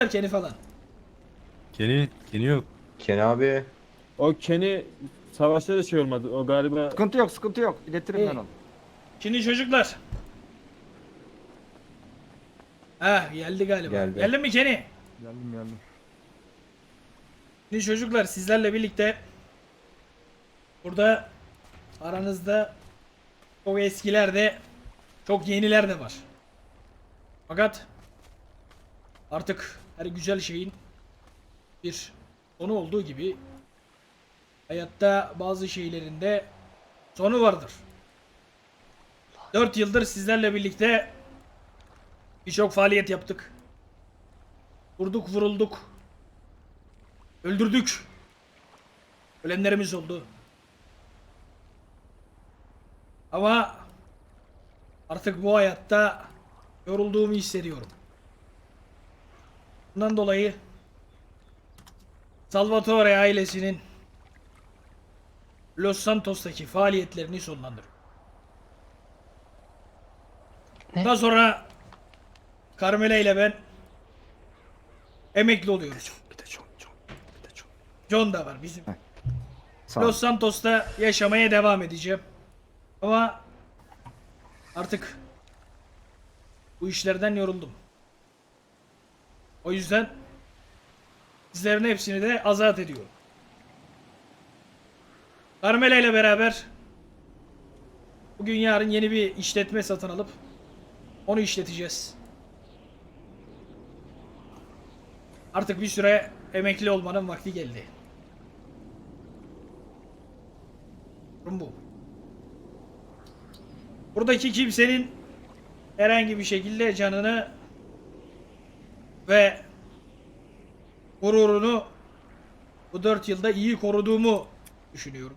Kenny falan. Kenny yok. Ken abi. O Kenny savaşta da şey olmadı. O galiba Sıkıntı yok, sıkıntı yok. İletirim ben İyi. onu. Şimdi çocuklar. Geldi galiba. Geldi. Geldin mi Kenny? Geldim. Şimdi çocuklar sizlerle birlikte burada aranızda çok eskiler de çok yeniler de var. Fakat artık her güzel şeyin bir sonu olduğu gibi hayatta bazı şeylerin de sonu vardır. 4 yıldır sizlerle birlikte birçok faaliyet yaptık. Vurduk, vurulduk. Öldürdük. Ölenlerimiz oldu. Ama artık bu hayatta yorulduğumu hissediyorum. Bundan dolayı Salvatore ailesinin Los Santos'taki faaliyetlerini sonlandırıyorum. Bundan sonra Carmela ile ben emekli oluyoruz. Bir de çok. John da var bizim. Sağ ol. Los Santos'ta yaşamaya devam edeceğim. Ama artık bu işlerden yoruldum. O yüzden sizlerin hepsini de azat ediyorum. Carmela ile beraber bugün yarın yeni bir işletme satın alıp onu işleteceğiz. Artık bir süre emekli olmanın vakti geldi. Durum bu. Buradaki kimsenin herhangi bir şekilde canını ve gururunu bu 4 yılda iyi koruduğumu düşünüyorum.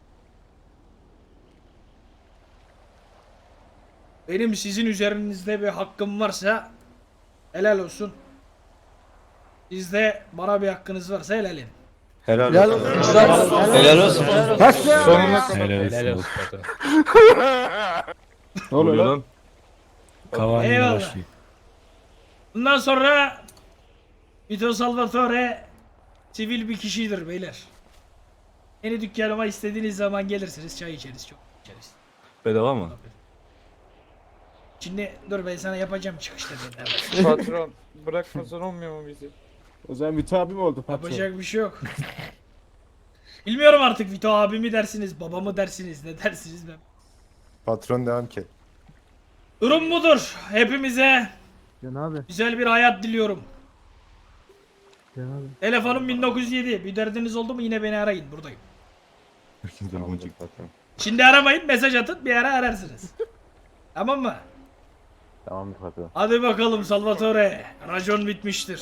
Benim sizin üzerinizde bir hakkım varsa helal olsun. Sizde bana bir hakkınız varsa helal edin. Helal olsun. Helal olsun. Helal olsun. ne oluyor lan? Cavani'yle Eyvallah. başlıyor. Bundan sonra Vito Salvatore sivil bir kişidir beyler. Yeni dükkanıma istediğiniz zaman gelirsiniz, çay içeriz, çok içeriz. Bedava mı? Şimdi dur ben sana yapacağım çıkışta dedi. Patron bırakmasan olmuyor mu bizi? O zaman Vito abi mi oldu patron? Yapacak bir şey yok. Bilmiyorum artık Vito abi mi dersiniz, baba mı dersiniz, ne dersiniz ben. Patron devam ki. Durum budur. Hepimize Can abi. güzel bir hayat diliyorum. Can abi. Telefonum 1907. Bir derdiniz oldu mu yine beni arayın, buradayım. Tamamdır patron. Şimdi aramayın, mesaj atın, bir ara ararsınız. Tamam mı? Tamamdır patron. Hadi bakalım Salvatore. Racon bitmiştir.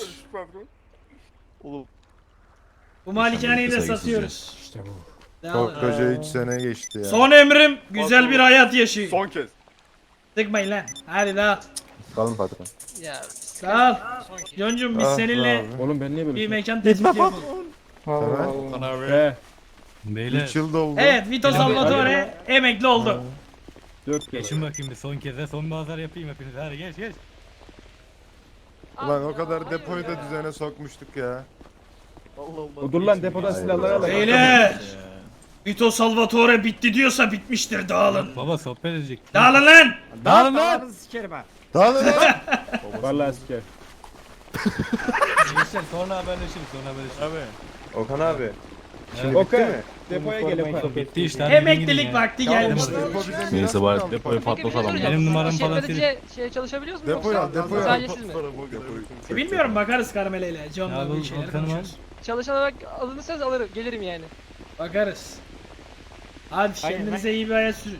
Bu malikaneyi de satıyoruz. İşte bu. Koskoca 3 sene geçti ya. Son emrim güzel bir hayat yaşayın. Son kez. Sıkmayın lan. Hadi daha. Kalın patron. Sağ ol. Yoncum biz Ah be seninle abi. Oğlum ben niye böyle bir şey? mekan tespiti yapalım. Tamam. He. Beyler 3 yıl doldu. Evet, Vito Salvatore emekli oldu. 4 kere. geçin bakayım bir son kez de son bazar yapayım hepiniz. Hadi geç. Ulan o kadar depoyu da düzene sokmuştuk ya. O dur lan depodan silahları al. Beyler. Vito Salvatore bitti diyorsa bitmiştir, dağılın. Baba sohbet edecek. Dağılın lan. Dağılın lan! Sikerim ha. Dağılın lan. Vallahi siker. Gençler sonra haberleşiriz Abi. Okan abi. Evet. Bitti mi? Depoya gel Okan. Bitti işte. hadi gidin Emeklilik ya. vakti gelmiştir. Depo bize miras Neyse mı bari kaldı? depoyu patlatalım. Benim numaram falan İşletmeciye şey çalışabiliyoruz mu? Depoyu al, yoksa depoyu al. sadece siz mi? Bilmiyorum, bakarız Carmela ile. Ya John'la bu bir şeyler Volkan'ı al. konuşuruz. Çalışan olarak alınırsanız alırım, gelirim yani. Bakarız. Hadi kendinize iyi bir hayat sürün.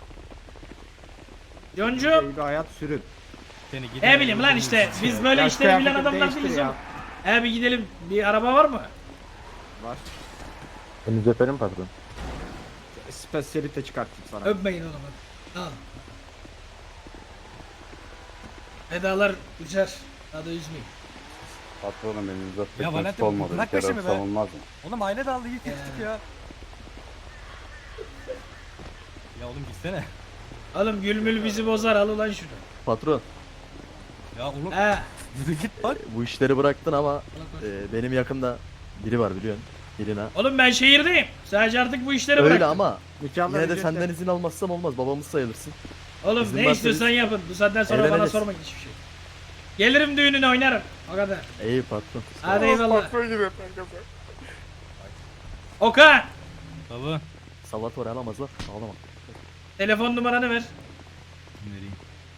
John'cum. Bir hayat sürün. Seni gidin. Ne bileyim lan işte biz böyle işleri bilen adamlar değiliz oğlum. Bir gidelim, bir araba var mı? Henüz öperim patron. Spesiyalite çıkartayım sana. Öpmeyin oğlum. Al. Vedalar uçar. Daha da üzmeyin. Patronum benim Ya uzatmak Valentin, nasip olmadı. bırak Bir kere peşimi be. öpsem olmaz mı? Oğlum aile daldı iyi kestik ya. Ya oğlum gitsene. Oğlum gülmül bizi bozar, al ulan şunu. Patron. Ya oğlum. He. Yürü git bak. Bu işleri bıraktın ama Allah korusun. benim yakında biri var biliyorsun. Birine. Oğlum ben şehirdeyim. Sadece artık bu işleri Öyle bıraktım. ama Nikahlar yine de ücretli. senden izin almazsam olmaz. Babamız sayılırsın. Oğlum İzin ne varsa istiyorsan biz yapın. Bu saatten sonra bana eğleniriz. sormayın hiçbir şey. Gelirim düğününe oynarım. O kadar. İyi patron. Hadi eyvallah. Patron gibi kanka. Okan. Baba. Salvatore alamazlar. Ağlama. Telefon numaranı ver. Vereyim.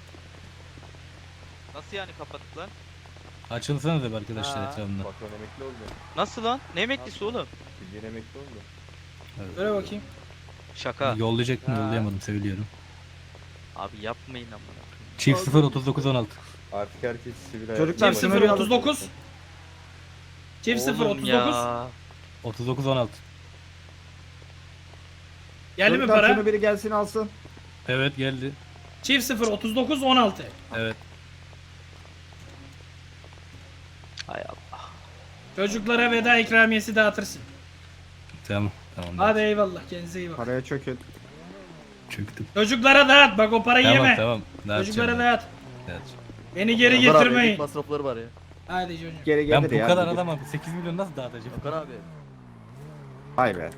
Nasıl yani kapattık lan? Açılsana da arkadaşlar Ha. etrafında. Patron emekli oldu. Nasıl lan? Ne emeklisi oğlum? Bildiğin emekli oldu. Öyle bakayım. Şaka. Yollayacak mı? Ha. Yollayamadım söylüyorum. Abi yapmayın amına. Çift 0 39 16. Artık herkes sivil hayat. Çocuklar, Çift sınırı 0 alın. 39. Çift 0 Oğlum 39. ya. 39 16. Geldi mi Çocuklar, para? şunu biri gelsin alsın. Evet geldi. Çift 0 39 16. Evet. Hay Allah. Çocuklara veda ikramiyesi dağıtırsın. Tamam. Tamam. Hadi eyvallah. Kendinize iyi bakın. Paraya çökün. Çöktüm. Çocuklara dağıt. Bak o parayı Tamam yeme. tamam. Çocuklara Dağıtacağım. dağıt. Beni geri Ömer abi, getirmeyin. evlilik masrafları var ya. Hadi çocuğum. Geri Ben gelir bu ya. kadar bugün. adamım. 8 milyon nasıl dağıtacağım? Okan abi. Hay be.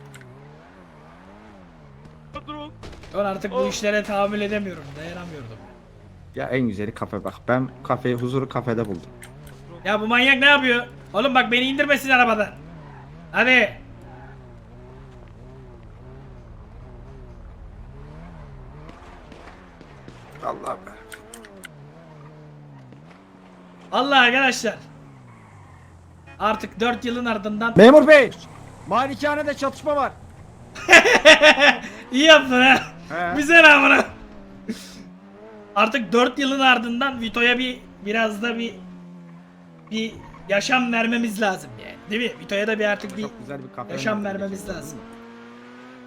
Ben artık bu işlere tahammül edemiyorum. Dayanamıyordum. Ya en güzeli kafe bak. Ben kafeyi, huzuru kafede buldum. Ya bu manyak ne yapıyor? Oğlum bak beni indirmesin arabadan. Hadi. Allah be. Allah arkadaşlar. Artık 4 yılın ardından Memur bey. Malikanede çatışma var. iyi yaptın ha. He. Güzel amına. Artık 4 yılın ardından Vito'ya biraz da bir yaşam vermemiz lazım yani. Değil mi? Vito'ya da bir artık bir Çok güzel bir kafe. yaşam öneriyorum. vermemiz lazım.